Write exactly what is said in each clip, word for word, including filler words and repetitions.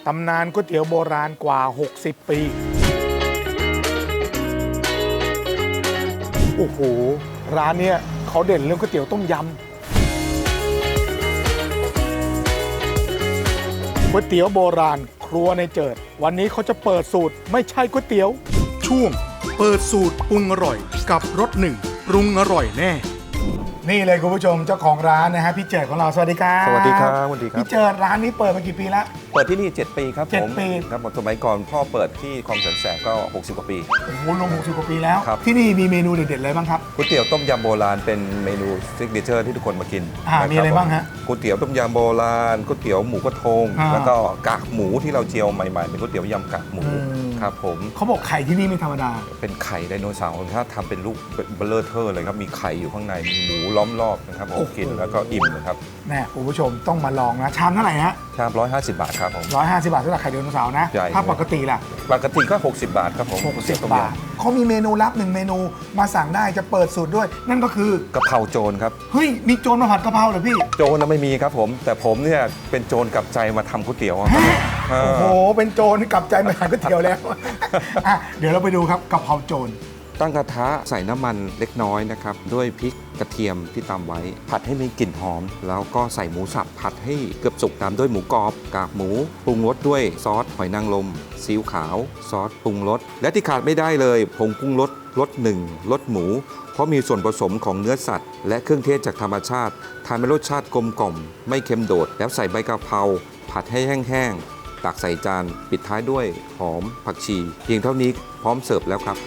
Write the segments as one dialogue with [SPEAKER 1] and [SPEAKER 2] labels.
[SPEAKER 1] ตำนานก๋วยเตี๋ยวโบราณกว่าหกสิบปีโอ้โหร้านเนี้ยเขาเด่นเรื่องก๋วยเตี๋ยวต้มยำก๋วยเตี๋ยวโบราณครัวในเจิดวันนี้เขาจะเปิดสูตรไม่ใช่ก๋วยเตี๋ยวช่วงเปิดสูตรปรุงอร่อยกับรสหนึ่งปรุงอร่อยแน่นี่เลยคุณผู้ชมเจ้าของร้านนะฮะพี่เจิดของเราสวัสดีครับ
[SPEAKER 2] สวัสดีครับสวัสดีครับ
[SPEAKER 1] พี่เจิดร้านนี้เปิดมากี่ปีแล้ว
[SPEAKER 2] เปิดที่นี่เจ็ดปีครับ
[SPEAKER 1] เจ็ด
[SPEAKER 2] ผม
[SPEAKER 1] ปี
[SPEAKER 2] ครับผมสมัยก่อนพ่อเปิดที่คลองแสนแสบก็หกสิบกว่าปี
[SPEAKER 1] โอ้โหรวมหกสิบกว่าปีแล้ว
[SPEAKER 2] ครับ
[SPEAKER 1] ที่นี่มีเมนูเด็ดๆอะไรบ้างครับ
[SPEAKER 2] ก๋วยเตี๋ยวต้มยำโบราณเป็นเมนูซิกเนเจอร์ที่ทุกคนมากิน
[SPEAKER 1] อ่า
[SPEAKER 2] ค
[SPEAKER 1] มีอะไรบ้างฮะ
[SPEAKER 2] ก๋วยเตี๋ยวต้มยำโบราณก๋วยเตี๋ยวหมูกระทง
[SPEAKER 1] อ่า
[SPEAKER 2] แล้วก็กากหมูที่เราเจียวใหม่ๆเป็นก๋วยเตี๋ยวยำกากหมู
[SPEAKER 1] อืม
[SPEAKER 2] ครับผม
[SPEAKER 1] เขาบอกไข่ที่นี่ไม่ธรรมดา
[SPEAKER 2] เป็นไข่ไดโนเสาร์ถ้าทำเป็นลูกเบลเลอร์เทอร์เลยครับมีไข่อยู่ข้างในมีหมูล้อมรอบนะครับผ
[SPEAKER 1] โอ้
[SPEAKER 2] ม
[SPEAKER 1] โห
[SPEAKER 2] กินแล้วก็อิ่มนะครับ
[SPEAKER 1] แน่คุณผู้ชมต้องมาลองนะชามเท่าไหร่ฮะ
[SPEAKER 2] ชามร้อยห้าสิบบาทครับผม
[SPEAKER 1] ร้อยห้าสิบบาทสำหรับไข่ไดโนเสาร์นะ
[SPEAKER 2] ใช่
[SPEAKER 1] ถ้าปกติล่ะ
[SPEAKER 2] ปกติก็หกสิบบาทครับผม
[SPEAKER 1] หกสิบ
[SPEAKER 2] ก๋วยเตี๋ยวต้ม
[SPEAKER 1] บาท
[SPEAKER 2] ยำ
[SPEAKER 1] เขามีเมนูลับหนึ่งเมนูมาสั่งได้จะเปิดสูตรด้วย นั่นก็คือก
[SPEAKER 2] ะเพราโจรครับ
[SPEAKER 1] เฮ้ยมีโจรมาผัดกะเพราเหรอพี่
[SPEAKER 2] โจรนะไม่มีครับผม แต่ผมเนี่ยเป็นโจรกลับใจมาทำก๋วยเตี๋ยวครับเออ
[SPEAKER 1] โอ้โหเป็นโจรกลับใจมาทานก๋วยเตี๋ยวแล้ว อ่ะเดี๋ยวเราไปดูครับกะเพราโจร
[SPEAKER 2] ตั้งกระทะใส่น้ำมันเล็กน้อยนะครับด้วยพริกกระเทียมที่ตำไว้ ผัดให้มีกลิ่นหอม แล้วก็ใส่หมูสับผัดให้เกือบสุกตามด้วยหมูกรอบกากหมูปรุงรสด้วยซอสหอยนางรมซีอิ๊วขาวซอสปรุงรสและที่ขาดไม่ได้เลยผงปรุงรสรสหนึ่งรสหมู เพราะมีส่วนผสมของเนื้อสัตว์ และเครื่องเทศจากธรรมชาติทำให้รสชาติกลมกล่อมไม่เค็มโดด แล้วใส่ใบกะเพราผัดให้แห้งๆตักใส่จานปิดท้ายด้วยหอมผักชี เพียงเท่านี้พร้อมเสิร์ฟแล้วครับ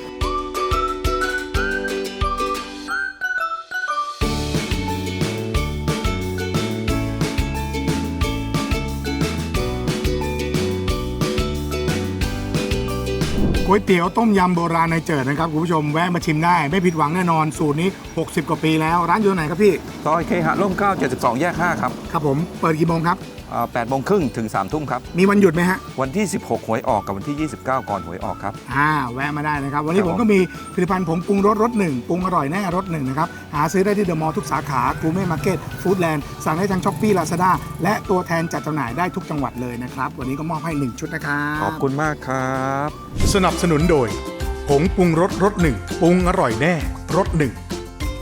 [SPEAKER 1] ก๋วยเตี๋ยวต้มยำโบราณในเจิดนะครับคุณผู้ชมแวะมาชิมได้ไม่ผิดหวังแน่นอนสูตรนี้หกสิบกว่าปีแล้วร้านอยู่ไหนครับพี่
[SPEAKER 2] ซอยเคหะร่มเกล้าเจ็ดสิบสองแยกห้าครับ
[SPEAKER 1] ครับผมเปิดกี่โมงครับ
[SPEAKER 2] แปดโมงครึ่งถึงสามทุ่มครับ
[SPEAKER 1] มีวันหยุดไหมฮะ
[SPEAKER 2] วันที่สิบหกหวยออกกับวันที่ยี่สิบเก้าก่อนหวยออกครับ
[SPEAKER 1] อ่าแวะมาได้นะครับวันนี้
[SPEAKER 2] ครับ
[SPEAKER 1] ผมก็มีผลิตภัณฑ์ผงปรุงรสรสหนึ่งปรุงอร่อยแน่รสหนึ่งนะครับหาซื้อได้ที่เดอะมอลล์ทุกสาขากูเม่มาร์เก็ตฟู้ดแลนด์สั่งได้ทางช้อปปี้ลาซาด้าและตัวแทนจัดจำหน่ายได้ทุกจังหวัดเลยนะครับวันนี้ก็มอบให้หนึ่งชุดนะครับ
[SPEAKER 2] ขอบคุณมากครับ
[SPEAKER 1] สนับสนุนโดยผงปรุงรสรสหนึ่งปรุงอร่อยแน่รสหนึ่ง